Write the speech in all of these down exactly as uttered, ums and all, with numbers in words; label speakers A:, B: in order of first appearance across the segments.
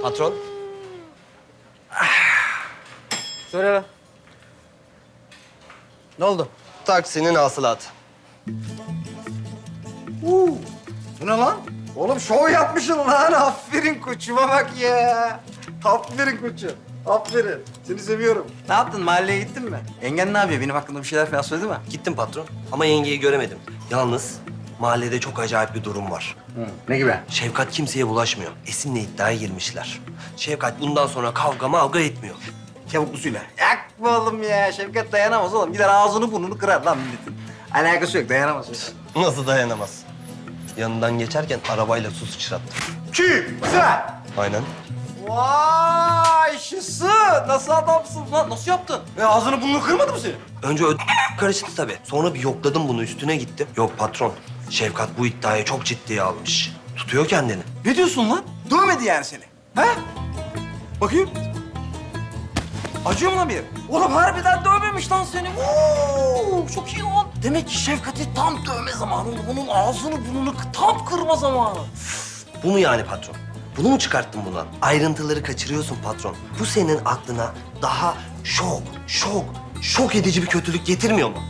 A: Patron.
B: Söyle lan. Ne oldu?
A: Taksinin hasılatı.
B: Uuu. Bu ne lan? Oğlum şov yapmışsın lan. Aferin koçuma bak ya. Aferin koçum. Aferin. Seni seviyorum. Ne yaptın? Mahalleye gittin mi? Yengen ne yapıyor? Benim hakkımda bir şeyler falan söyledi mi?
A: Gittim patron ama yengeyi göremedim. Yalnız mahallede çok acayip bir durum var.
B: Hı. Ne gibi?
A: Şefkat kimseye bulaşmıyor. Esin'le iddiaya girmişler. Şefkat bundan sonra kavga mavga etmiyor.
B: Çabuklusuyla. Yakma oğlum ya. Şevkat dayanamaz oğlum. Gider ağzını burnunu kırar lan milletin. Alakası yok. Dayanamaz.
A: Nasıl dayanamaz? Yanından geçerken arabayla su sıçrattı.
B: Kim? Sen.
A: Aynen.
B: Vay şısı. Nasıl adamsın lan? Nasıl yaptın? E ağzını burnunu kırmadı mı senin?
A: Önce ö- karıştı tabii. Sonra bir yokladım bunu, üstüne gittim. Yok patron, Şefkat bu iddiayı çok ciddiye almış. Tutuyor kendini.
B: Ne diyorsun lan? Dövmedi yani seni. He? Bakayım. Acıyor mu lan bir yer? Oğlum harbiden dövmemiş lan seni. Oo, çok iyi lan. Demek ki Şefkat'i tam dövme zamanı. Onun ağzını burnunu tam kırma zamanı.
A: Bu mu yani patron? Bunu mu çıkarttın bundan? Ayrıntıları kaçırıyorsun patron. Bu senin aklına daha şok, şok, şok edici bir kötülük getirmiyor mu?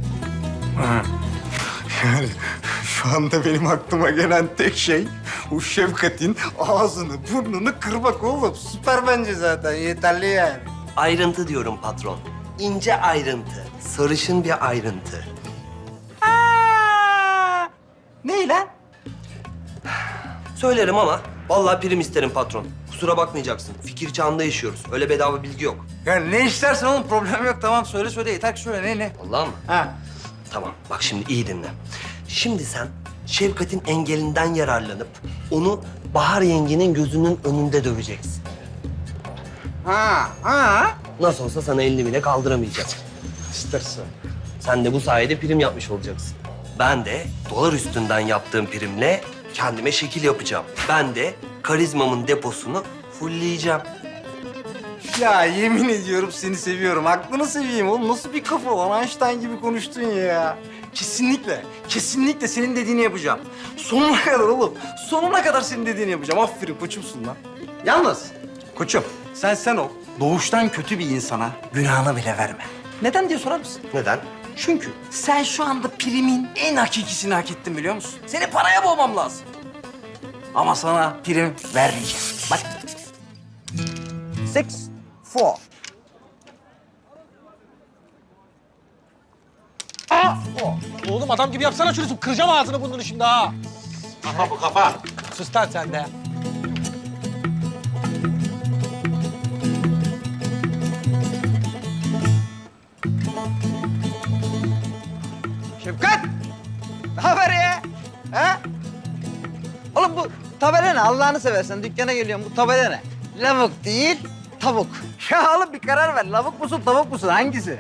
C: Yani şu anda benim aklıma gelen tek şey o Şefkat'in ağzını, burnunu kırmak oğlum.
B: Süper bence zaten. Yeterli yani.
A: Ayrıntı diyorum patron. İnce ayrıntı, sarışın bir ayrıntı.
B: Aa! Ne lan?
A: Söylerim ama vallahi prim isterim patron. Kusura bakmayacaksın. Fikir çağında yaşıyoruz. Öyle bedava bilgi yok.
B: Yani ne istersen oğlum problem yok. Tamam söyle söyle. Yeter ki söyle. Ne ne?
A: Vallahi mı?
B: Ha.
A: Tamam. Bak şimdi iyi dinle. Şimdi sen Şefkat'in engelinden yararlanıp onu Bahar yengenin gözünün önünde döveceksin.
B: Ha. Ha.
A: Nasıl olsa sana elini bile kaldıramayacak.
B: İstersen.
A: Sen de bu sayede prim yapmış olacaksın. Ben de dolar üstünden yaptığım primle kendime şekil yapacağım. Ben de karizmamın deposunu fullleyeceğim.
B: Ya yemin ediyorum seni seviyorum. Aklını seveyim oğlum. Nasıl bir kafa lan? Einstein gibi konuştun ya. Kesinlikle, kesinlikle senin dediğini yapacağım. Sonuna kadar oğlum. Sonuna kadar senin dediğini yapacağım. Aferin koçumsun lan. Yalnız koçum sen sen ol. Doğuştan kötü bir insana günahını bile verme. Neden diye sorar mısın?
A: Neden?
B: Çünkü sen şu anda primin en hakikisini hak ettin biliyor musun? Seni paraya boğmam lazım. Ama sana prim vermeyeceğim. Bak. Six, four.
D: Oğlum adam gibi yapsana şunu. Kıracağım ağzını burnunu şimdi ha. Kafa bu kafa. Sus lan sen de.
B: Şefkat! Ne haber ya? Ha? Oğlum bu tabela ne? Allah'ını seversen dükkana geliyorum. Bu tabela ne? Lavuk değil, tavuk. Ya oğlum bir karar ver. Lavuk musun, tavuk musun? Hangisi?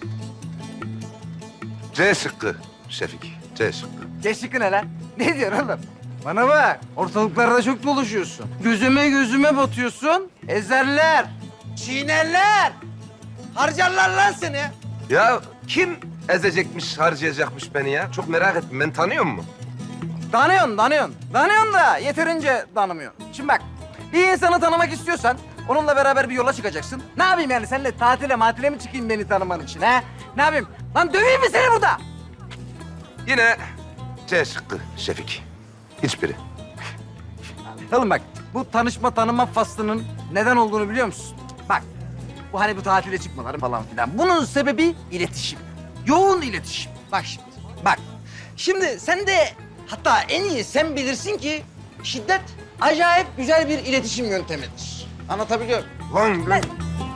E: C şıkkı Şefik, C şıkkı.
B: Geçişik ne lan? Ne diyorsun oğlum? Bana bak, ortalıklarda çok dolaşıyorsun. Gözüme gözüme batıyorsun. Ezerler, çiğnerler. Harcarlar lan seni.
E: Ya kim ezecekmiş, harcayacakmış beni ya? Çok merak ettim. Ben tanıyor musun?
B: Tanıyorsun, tanıyorsun. Tanıyorsun da yeterince tanımıyorsun. Şimdi bak, bir insanı tanımak istiyorsan onunla beraber bir yola çıkacaksın. Ne yapayım yani? Seninle tatile matile mi çıkayım beni tanıman için ha? Ne yapayım? Lan döveyim mi seni burada?
E: Yine C şıkkı Şefik. Hiçbiri.
B: Oğlum bak, bu tanışma tanıma faslının neden olduğunu biliyor musun? Bak, bu hani bu tatile çıkmaları falan filan. Bunun sebebi iletişim. Yoğun iletişim. Bak şimdi, bak. Şimdi sen de hatta en iyi sen bilirsin ki şiddet acayip güzel bir iletişim yöntemidir. Anlatabiliyor muyum?
E: Lan
B: Lan.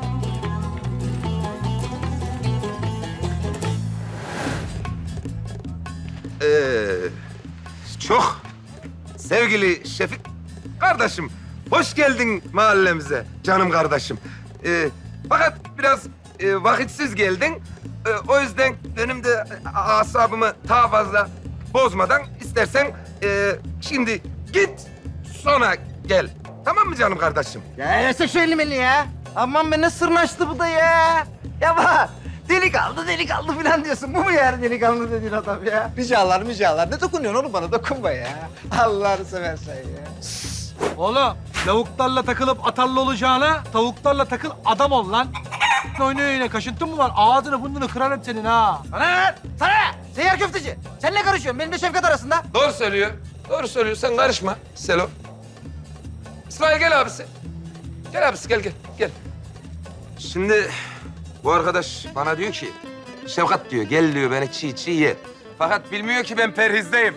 E: Ee, çok sevgili Şefik kardeşim, hoş geldin mahallemize canım kardeşim. Ee, fakat biraz e, vakitsiz geldin. Ee, o yüzden benim de asabımı daha fazla bozmadan istersen e, şimdi git sonra gel. Tamam mı canım kardeşim?
B: Ya yese şu elini ya. Aman be ne sırnaştı bu da ya. Ya bak. Delikanlı delikanlı falan diyorsun. Bu mu yani delikanlı dediğin adam ya? Ricalar ricalar. Ne dokunuyorsun oğlum bana? Dokunma ya. Allah'ını seversen ya.
D: Oğlum Lavuklarla takılıp atarlı olacağına tavuklarla takıl adam ol lan. Oyna oyna kaşıntın mı var? Ağzını burnunu kırarım senin ha.
B: Sana ne lan? Sana ne? Seyyar köfteci. Sen ne karışıyorsun? Benim de Şevkat arasında.
E: Doğru söylüyor. Doğru söylüyor. Sen karışma Selo. İsmail gel abisi. Gel abisi gel gel gel. Şimdi bu arkadaş bana diyor ki Şevkat diyor gel diyor beni çiğ çiğ ye. Fakat bilmiyor ki ben perhizdeyim.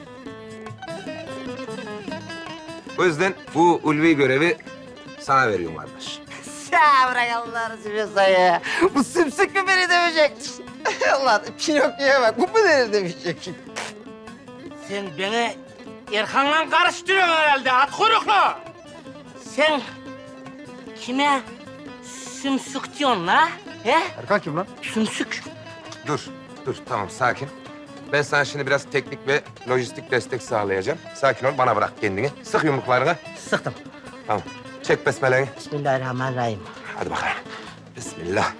E: O yüzden bu ulvi görevi sana veriyorum kardeş.
B: Ya bırak Allah'ını seviyorsan ya. Bu sümsük mü beni dövecek? Allah Pinokyo'ya bak. Bu mu beni dövecek?
F: Sen beni Erkan'la karıştırıyorsun herhalde at kuyruklu. Sen kime sümsük diyorsun la? He?
B: Erkan kim lan?
F: Sümsük.
E: Dur, dur tamam sakin. Ben sana şimdi biraz teknik ve lojistik destek sağlayacağım. Sakin ol, bana bırak kendini. Sık yumruklarını.
F: Sıktım.
E: Tamam. Çek besmeleni.
F: Bismillahirrahmanirrahim.
E: Hadi bakalım. Bismillah.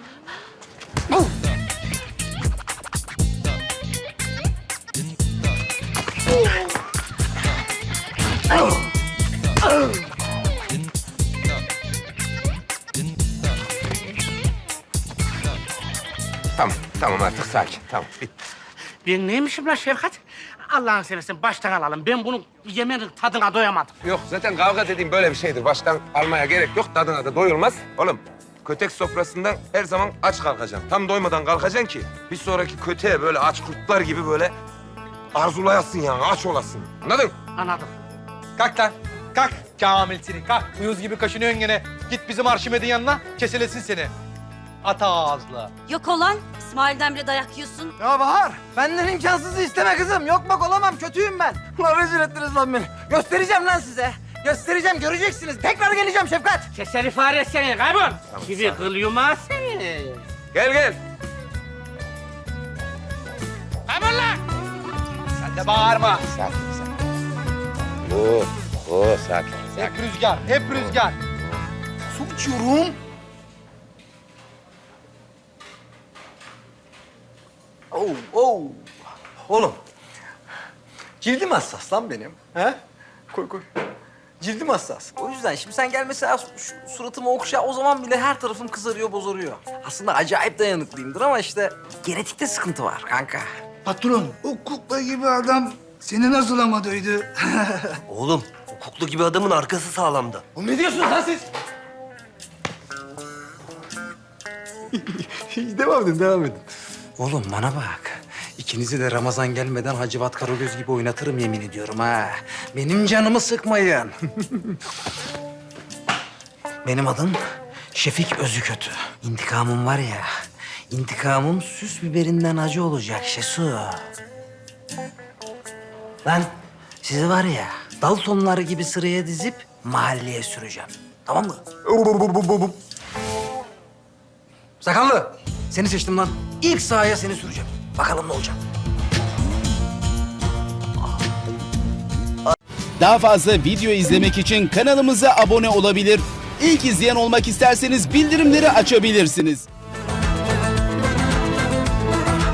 E: Tamam, tamam artık sakin. Tamam, bitti.
F: Ben neymişim lan Şevkat? Allah'ını seversen baştan alalım. Ben bunun yemeğinin tadına doyamadım.
E: Yok, zaten kavga dediğim böyle bir şeydir. Baştan almaya gerek yok. Tadına da doyulmaz. Oğlum, kötek sofrasından her zaman aç kalkacaksın. Tam doymadan kalkacaksın ki bir sonraki köteğe böyle aç kurtlar gibi böyle arzulayasın yani, aç olasın. Anladın?
F: Anladım.
D: Kalk lan. Kalk. Kamil senin kalk. Uyuz gibi kaşınıyorsun gene. Git bizim Arşimed'in yanına keselesin seni. At ağızlı.
G: Yok olan İsmail'den bile dayak yiyorsun.
B: Ya Bahar, benden imkansızı isteme kızım. Yok bak olamam, kötüyüm ben. Lan rezil ettiniz lan beni. Göstereceğim lan size. Göstereceğim, göreceksiniz. Tekrar geleceğim Şefkat.
F: Keseri fare seni kaybol. Gibi kıl yumağı seni.
E: Gel gel.
F: Kaybol lan.
D: Sen de bağırma.
E: Sakin sakin. Oo, oo sakin.
D: Hep rüzgar, hep rüzgar.
B: Su içiyorum. Oh, oh. Oğlum, cildim hassas lan benim. He? Koy koy. Cildim hassas. O yüzden şimdi sen gel mesela şu suratımı okşa, o zaman bile her tarafım kızarıyor, bozarıyor. Aslında acayip dayanıklıyımdır ama işte genetikte sıkıntı var kanka.
H: Patron, o kukla gibi adam seni nasıl amadıydı?
A: Oğlum, o kuklu gibi adamın arkası sağlamdı.
B: Oğlum ne diyorsunuz lan siz? devam edin, devam edin. Oğlum bana bak. İkinizi de Ramazan gelmeden Hacivat Karagöz gibi oynatırım yemin ediyorum ha. Benim canımı sıkmayın. Benim adım Şefik Özükötü. İntikamım var ya, intikamım süs biberinden acı olacak Şesu. Ben sizi var ya, Daltonlar gibi sıraya dizip mahalleye süreceğim. Tamam mı? Sakallı, seni seçtim lan. İlk sahaya seni süreceğim. Bakalım ne olacak.
I: Daha fazla video izlemek için kanalımıza abone olabilir. İlk izleyen olmak isterseniz bildirimleri açabilirsiniz.